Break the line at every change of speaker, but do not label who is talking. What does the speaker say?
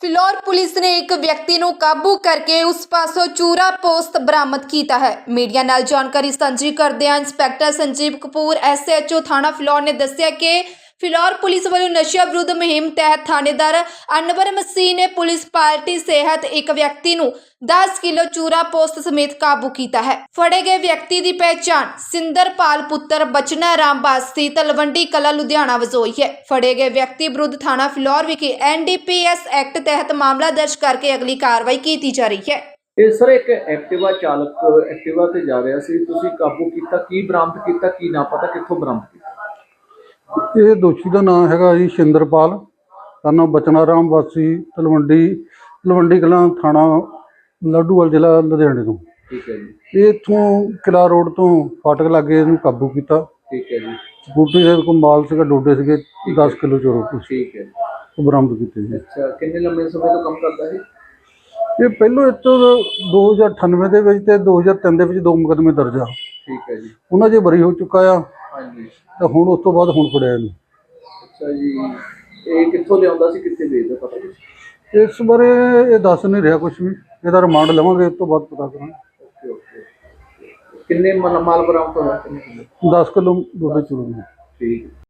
Phillaur police ਨੇ ਇੱਕ ਵਿਅਕਤੀ ਨੂੰ ਕਾਬੂ ਕਰਕੇ ਉਸ ਪਾਸੋਂ ਚੂਰਾ ਪੋਸਤ ਬਰਾਮਦ ਕੀਤਾ ਹੈ। ਮੀਡੀਆ ਨਾਲ ਜਾਣਕਾਰੀ ਸਾਂਝੀ ਕਰਦਿਆਂ ਇੰਸਪੈਕਟਰ ਸੰਜੀਵ ਕਪੂਰ ਐਸਐਚਓ ਥਾਣਾ ਫਿਲੌਰ ਨੇ ਦੱਸਿਆ ਕਿ ਫਿਲੌਰ ਪੁਲਿਸ ਵੱਲੋਂ ਨਸ਼ਾ ਵਿਰੁੱਧ ਮੁਹਿੰਮ ਤਹਿਤ ਥਾਣੇਦਾਰ ਅਨਵਰ ਮਸੀਹ ਨੇ ਪੁਲਿਸ ਪਾਰਟੀ ਸਿਹਤ ਇੱਕ ਵਿਅਕਤੀ ਨੂੰ 10 ਕਿਲੋ ਚੂਰਾ ਪੋਸਤ ਸਮੇਤ ਕਾਬੂ ਕੀਤਾ ਹੈ। ਫੜੇ ਗਏ ਵਿਅਕਤੀ ਦੀ ਪਹਿਚਾਣ ਸਿੰਦਰਪਾਲ ਪੁੱਤਰ ਬਚਨਾ ਰਾਮ ਵਾਸੀ ਤਲਵੰਡੀ ਕਲਾ ਲੁਧਿਆਣਾ ਵਜੋਂ ਹੋਈ ਹੈ। ਫੜੇ ਗਏ ਵਿਅਕਤੀ ਵਿਰੁੱਧ ਥਾਣਾ ਫਿਲੌਰ ਵਿਖੇ ਐਨਡੀਪੀਐਸ ਐਕਟ ਤਹਿਤ ਮਾਮਲਾ ਦਰਜ ਕਰਕੇ ਅਗਲੀ ਕਾਰਵਾਈ ਕੀਤੀ ਜਾ ਰਹੀ ਹੈ।
ਇਹ ਸਰ ਇੱਕ ਐਕਟਿਵਾ ਚਾਲਕ ਐਕਟਿਵਾ ਤੇ ਜਾ ਰਿਹਾ ਸੀ, ਤੁਸੀਂ ਕਾਬੂ ਕੀਤਾ, ਕੀ ਬਰਾਮਦ ਕੀਤਾ, ਕੀ ਨਾ ਪਤਾ ਕਿੱਥੋਂ ਬਰਾਮਦ ਕੀਤਾ?
ਇਹ ਦੋਸ਼ੀ ਦਾ ਨਾਮ ਹੈਗਾ ਜੀ ਸਿੰਦਰਪਾਲ, ਸਾਨੂੰ ਬਚਨਾ ਰਾਮ ਵਾਸੀ ਤਲਵੰਡੀ ਕਲਾਂ ਥਾਣਾ ਲੱਡੂਵਾਲ ਜ਼ਿਲ੍ਹਾ ਲੁਧਿਆਣੇ ਤੋਂ।
ਠੀਕ ਹੈ ਜੀ।
ਇਹ ਇੱਥੋਂ ਕਿਲਾ ਰੋਡ ਤੋਂ ਫਾਟਕ ਲਾਗੇ ਇਹਨੂੰ ਕਾਬੂ ਕੀਤਾ।
ਠੀਕ ਹੈ ਜੀ।
ਸਕੂਟਰੀ ਦੇ ਕੋਲ ਮਾਲ ਸੀਗਾ, ਡੋਡੇ ਸੀਗੇ 10 ਕਿਲੋ ਚੋਰੋ ਕੁਛ
ਠੀਕ ਹੈ।
ਉਹ ਬਰਾਮਦ ਕੀਤੇ ਜੀ।
ਅੱਛਾ, ਕਿੰਨੇ ਲੰਮੇ ਸਮੇਂ ਤੋਂ ਕੰਮ ਕਰਦਾ ਹੈ?
ਇਹ ਪਹਿਲੋਂ ਇਹ ਤੋਂ 2098 ਦੇ ਵਿੱਚ ਤੇ 2003 ਦੇ ਵਿੱਚ 2 ਮੁਕੱਦਮੇ ਦਰਜ ਆ।
ਠੀਕ ਹੈ ਜੀ।
ਉਹਨਾਂ 'ਚ ਬਰੀ ਹੋ ਚੁੱਕਾ ਆ
ਹਾਂਜੀ।
ਤੇ ਹੁਣ ਉਸ ਤੋਂ ਬਾਅਦ ਹੁਣ ਫੜਿਆ ਇਹਨੂੰ।
ਅੱਛਾ ਜੀ, ਇਹ ਕਿੱਥੋਂ ਲਿਆਉਂਦਾ ਸੀ, ਕਿੱਥੇ ਵੇਚਦਾ, ਪਤਾ ਕੁਛ?
ਇਸ ਬਾਰੇ ਇਹ ਦੱਸ ਨਹੀਂ ਰਿਹਾ ਕੁਝ ਵੀ, ਇਹਦਾ ਰਿਮਾਂਡ ਲਵਾਂਗੇ, ਉਸ ਤੋਂ ਬਾਅਦ ਪਤਾ ਕਰਾਂਗੇ।
Okay okay. ਕਿੰਨੇ ਮਾਲ ਬਰਾਮਦ ਹੋਇਆ? ਕਿੰਨੇ ਕਿਲੋ?
10 ਕਿਲੋ ਡੋਡੇ ਚੂਰੋ।
ਠੀਕ।